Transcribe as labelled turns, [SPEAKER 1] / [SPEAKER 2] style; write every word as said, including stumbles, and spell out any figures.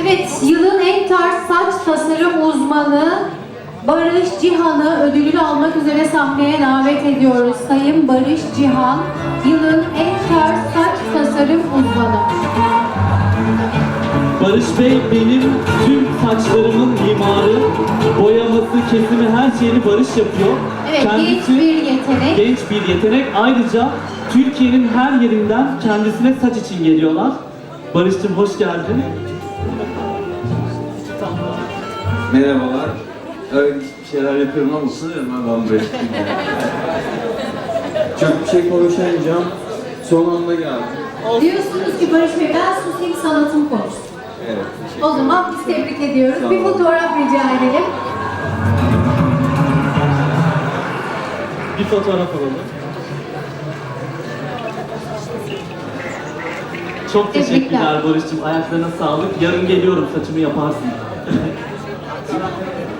[SPEAKER 1] Evet, yılın en tarz saç tasarım uzmanı Barış Cihan'ı ödülünü almak üzere sahneye davet ediyoruz. Sayın Barış Cihan, yılın en tarz saç tasarım uzmanı.
[SPEAKER 2] Barış Bey benim tüm saçlarımın mimarı, boyaması, kesimi, her şeyini Barış yapıyor.
[SPEAKER 1] Evet, genç bir yetenek.
[SPEAKER 2] Genç bir yetenek. Ayrıca Türkiye'nin her yerinden kendisine saç için geliyorlar. Barış'cığım hoş geldin.
[SPEAKER 3] Merhabalar. Evet, bir şeyler yapıyorum ama sanıyorum ben buraya. Çok bir şey konuşamayacağım. Son anda geldim.
[SPEAKER 1] Diyorsunuz ki Barış Bey, ben susayım, sanatım konuşsun.
[SPEAKER 3] Evet.
[SPEAKER 1] O zaman biz tebrik ediyoruz.
[SPEAKER 3] Sağ
[SPEAKER 1] Bir
[SPEAKER 3] olun.
[SPEAKER 1] fotoğraf rica edelim.
[SPEAKER 2] Bir fotoğraf alalım. Çok
[SPEAKER 1] Tebrikler.
[SPEAKER 2] teşekkürler Barış'cığım. Ayaklarına sağlık. Yarın geliyorum, saçımı yaparsın.